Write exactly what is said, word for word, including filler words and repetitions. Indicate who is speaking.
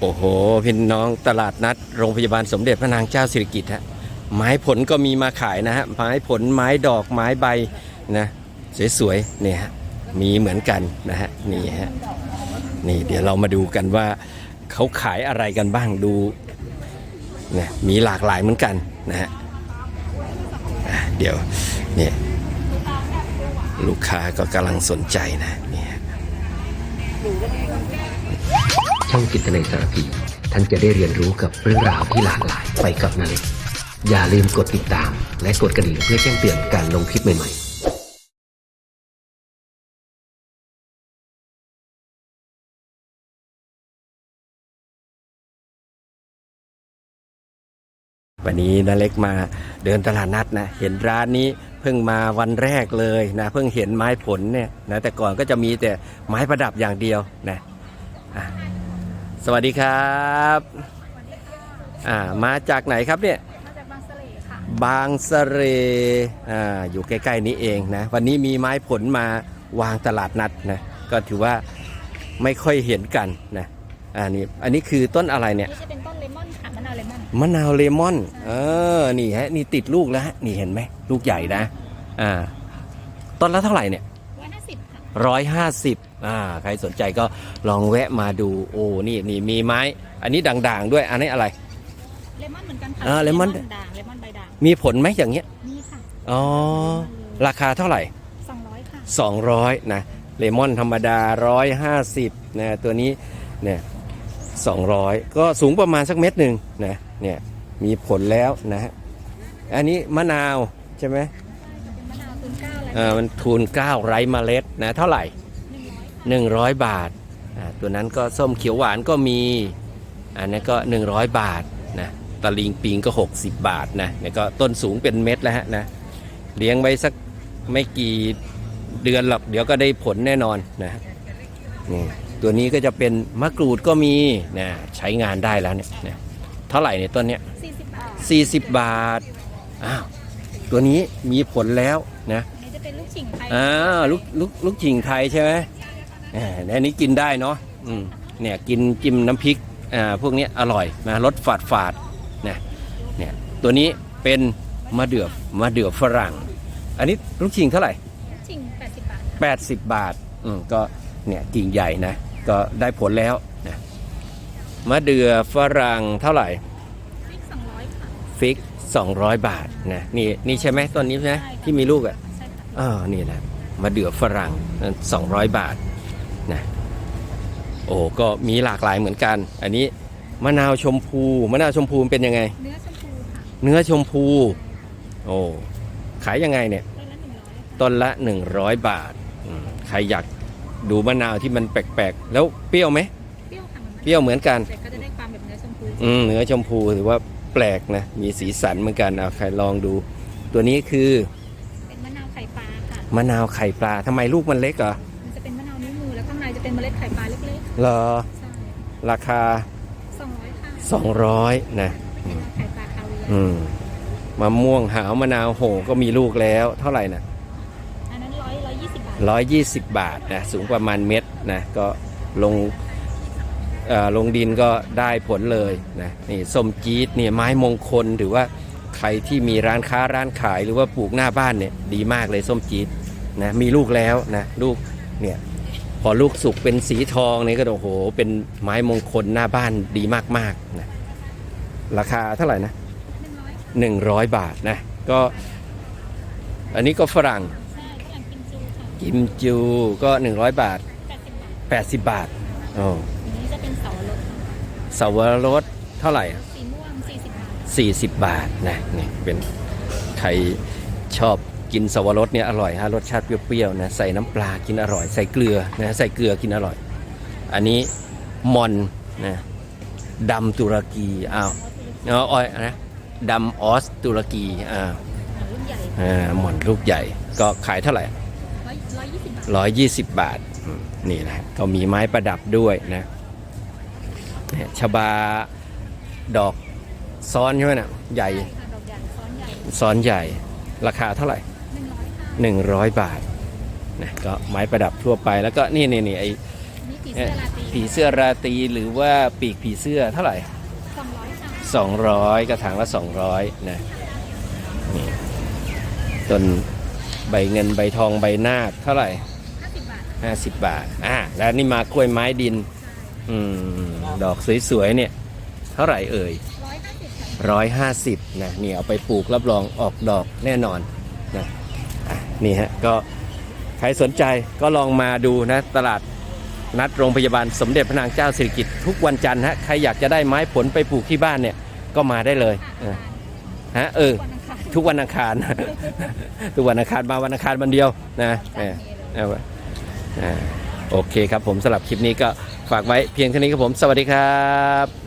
Speaker 1: อ้โหพี่น้องตลาดนัดโรงพยาบาลสมเด็จพระนางเจ้าสิริกิติ์ฮะไม้ผลก็มีมาขายนะฮะไม้ผลไม้ดอกไม้ใบนะสวยๆเนี่ยฮะมีเหมือนกันนะฮะนี่ฮะนี่เดี๋ยวเรามาดูกันว่าเขาขายอะไรกันบ้างดูเนี่ยมีหลากหลายเหมือนกันนะฮะเดี๋ยวเนี่ยลูกค้าก็กำลังสนใจนะเนี่ย
Speaker 2: ช่องจิตนาสารพีท่านจะได้เรียนรู้กับเรื่องราวที่หลากหลายไปกับนาเล็กอย่าลืมกดติดตามและกดกระดิ่งเพื่อแจ้งเตือนการลงคลิปใหม่ๆ
Speaker 1: วันนี้นาเล็กมาเดินตลาดนัดนะเห็นร้านนี้เพิ่งมาวันแรกเลยนะเพิ่งเห็นไม้ผลเนี่ยนะแต่ก่อนก็จะมีแต่ไม้ประดับอย่างเดียวนะสวัสดีครับอ่ามาจากไหนครับเนี่ย
Speaker 3: มาจากบางสะเลค่ะ
Speaker 1: บางสะเลอ่าอยู่ใกล้ๆนี้เองนะวันนี้มีไม้ผลมาวางตลาดนัดนะก็ถือว่าไม่ค่อยเห็นกันนะอันนี้อันนี้คือต้นอะไรเนี่ย
Speaker 3: นี่จะเป็นต้นเลมอนค่ะมะนาวเลมอน
Speaker 1: มะนาวเลมอนเออนี่ฮะนี่ติดลูกแล้วฮะนี่เห็นไหมลูกใหญ่นะอ่าต้นละเท่าไหร่เนี่ย
Speaker 3: ร้อยห้าสิบค่ะ
Speaker 1: ร้อยห้าสิบอ่าใครสนใจก็ลองแวะมาดูโอ้นี่นี่มีไม้อันนี้ด่างๆด้วยอันนี้อะไร
Speaker 3: เลมอนเหมือนกันค่ะ
Speaker 1: อ่าเลมอน
Speaker 3: ด่างเลมอนใบด่าง
Speaker 1: มีผลไหมอย่างเงี้ย
Speaker 3: มีค่ะ
Speaker 1: อ๋อราคาเท่าไหร่
Speaker 3: สองร้อยค่ะ
Speaker 1: สองร้อยนะเลมอนธรรมดาร้อยห้าสิบนะตัวนี้เนี่ยสองร้อยก็สูงประมาณสักเม็ดหนึ่งนะเนี่ยมีผลแล้วนะฮะอันนี้มะนาวใช่ไหม
Speaker 3: มะนาวทุนเก้าอะไร
Speaker 1: อ่ามันทูนเก้าไร้เมล็ดนะเท่าไหร่หนึ่งร้อยบาทอ่าตัวนั้นก็ส้มเขียวหวานก็มีอันนี้ก็หนึ่งร้อยบาทนะตะลิงปิงก็หกสิบบาทนะเนี่ยก็ต้นสูงเป็นเม็ดแล้วฮะนะเลี้ยงไว้สักไม่กี่เดือนหรอกเดี๋ยวก็ได้ผลแน่นอนนะนี่ตัวนี้ก็จะเป็นมะกรูดก็มีนะใช้งานได้แล้วเนี่ยนะเท่าไหร่เนี่ยต้นเนี้ย
Speaker 3: สี่สิบบาท
Speaker 1: สี่สิบบาทอ้าวตัวนี้มีผลแล้วนะ
Speaker 3: นี่จะเป็นลูกฉิงไทย
Speaker 1: อ่าลูกลูกลูกฉิงไทยใช่ไหมอ่าอันนี้กินได้เนาะอืมเนี่ยกินจิ้มน้ำพริกอ่าพวกนี้อร่อยนะรสฝาดฝาดนะเนี่ยตัวนี้เป็นมะเดื่อมะเดื่อฝรั่งอันนี้ลูกฉิงเท่าไหร่
Speaker 3: ฉิงแปดสิบบาท
Speaker 1: แปดสิบบาทอืมก็เนี่ยกิ่งใหญ่นะก็ได้ผลแล้วนะมะเดื่อฝรั่งเท่าไหร่
Speaker 3: ฟิกสองร้อยค่ะ
Speaker 1: ฟิกสองร้อยบาทนะนี่นี่ใช่ไหมต้นนี้ใช่ไหมที่มีลูกอ่ะ
Speaker 3: ใช่ค่ะ
Speaker 1: อ๋อนี่นะมะเดื่อฝรั่งสองร้อยบาทนะโอ้ก็มีหลากหลายเหมือนกันอันนี้มะนาวชมพูมะนาวชมพูเป็นยังไง
Speaker 3: เนื้อชมพูค่ะ
Speaker 1: เนื้อชมพูโอ้ขายยังไงเนี่ยต้นละหนึ่งร้อยบาทใครอยากดูมะนาวที่มันแปลกๆแล้วเปรี้ยวไหม
Speaker 3: เปรี้ยวค่ะ
Speaker 1: เปรี้ยวเหมือนกัน
Speaker 3: แต่ก็จะได้ความแบบเนื้อชมพู
Speaker 1: อืมเนื้อชมพูถือว่าแปลกนะมีสีสันเหมือนกันเอาใครลองดูตัวนี้คือ
Speaker 3: เป็นมะนาวไข่ปลาค่ะ
Speaker 1: มะนาวไข่ปลาทำไมลูกมันเล็กเหรอ
Speaker 3: มันจะเป็นมะนาวนิ้วมือแล้วข้างในจะเป็นเมล็ดไข่ปลาเล็ก
Speaker 1: ๆเหรอใช่ราคา
Speaker 3: สองร้อยค่ะ
Speaker 1: สองร้อยนะ
Speaker 3: ไข่ปลาคาเวียร์
Speaker 1: อืมมะม่วงหาวมะนาวโหก็มีลูกแล้วเท่าไหร่นะ
Speaker 3: อันนั้นร้อยร้อยยี่สิบบาท
Speaker 1: ร้อยยี่สิบบาทนะสูงประมาณเม็ดนะก็ลงลงดินก็ได้ผลเลยนะนี่ส้มจี๊ดเนี่ยไม้มงคลถือว่าใครที่มีร้านค้าร้านขายหรือว่าปลูกหน้าบ้านเนี่ยดีมากเลยส้มจี๊ดนะมีลูกแล้วนะลูกเนี่ยพอลูกสุกเป็นสีทองนี่ก็โอ้โหเป็นไม้มงคลหน้าบ้านดีมากๆนะราคาเท่าไหร่นะหนึ่งร้อยบาทนะก็อันนี้ก็ฝรั่งกิมจูก็หนึ่งร้อยบาทแปดสิบบาทอ๋อ
Speaker 3: นี้จะเป็นเสาวรส
Speaker 1: เสาวรสเท่าไหร่
Speaker 3: สีม่วงสี่สิบบาท
Speaker 1: สี่สิบบาทนะนี่เป็นใครชอบกินเสาวรสเนี่ยอร่อยฮะรสชาติเปรี้ยวๆนะใส่น้ำปลากินอร่อยใส่เกลือนะใส่เกลือกินอร่อยอันนี้มอนนะดำตุรกีอ้าวอ๋ออ้อยนะดำออสตุรกีอ่าอ่าหม่อนลูกใหญ่ก็ขายเท่าไหร่ร้อยยี่สิบบาทนี่แหละก็มีไม้ประดับด้วยนะชบาดอกซ้อนใช่ไหมนะใหญ่ซ้อนใหญ่ราคาเท่าไหร่หนึ่งร้อยบาทนะก็ไม้ประดับทั่วไปแล้วก็นี่นี่นี่ไอ้
Speaker 3: นี่ผี
Speaker 1: เอ่อ
Speaker 3: เสื้อราตรี
Speaker 1: ผีเสื้อราตรีหรือว่าปีกผีเสื้อเท่าไหร่
Speaker 3: สองร้อยค่ะ
Speaker 1: สองร้อยกระถางละสองร้อยนะนี่ต้นใบเงินใบทองใบนาคเท่าไหร่
Speaker 3: ห้าสิบบาท
Speaker 1: ห้าสิบบาทอ่าแล้วนี่มากล้วยไม้ดินอืมดอกสวยๆเนี่ยเท่าไหร่เอ่ย
Speaker 3: ร้อยห้าสิบค่ะ
Speaker 1: ร้อยห้าสิบนะนี่เอาไปปลูกรับรองออกดอกแน่นอนนะอ่ะนี่ฮะก็ใครสนใจก็ลองมาดูนะตลาดนัดโรงพยาบาลสมเด็จพระนางเจ้าสิริกิติ์ทุกวันจันทร์ฮะใครอยากจะได้ไม้ผลไปปลูกที่บ้านเนี่ยก็มาได้เลยเออฮะเออ
Speaker 3: วันอังคาร
Speaker 1: ทุกวันอังคาร ทุกวันอังคารมาวันอังคารวันเดียวนะเออเอาไว้อ่าโอเคครับผมสำหรับคลิปนี้ก็ฝากไว้เพียงเท่านี้ครับผมสวัสดีครับ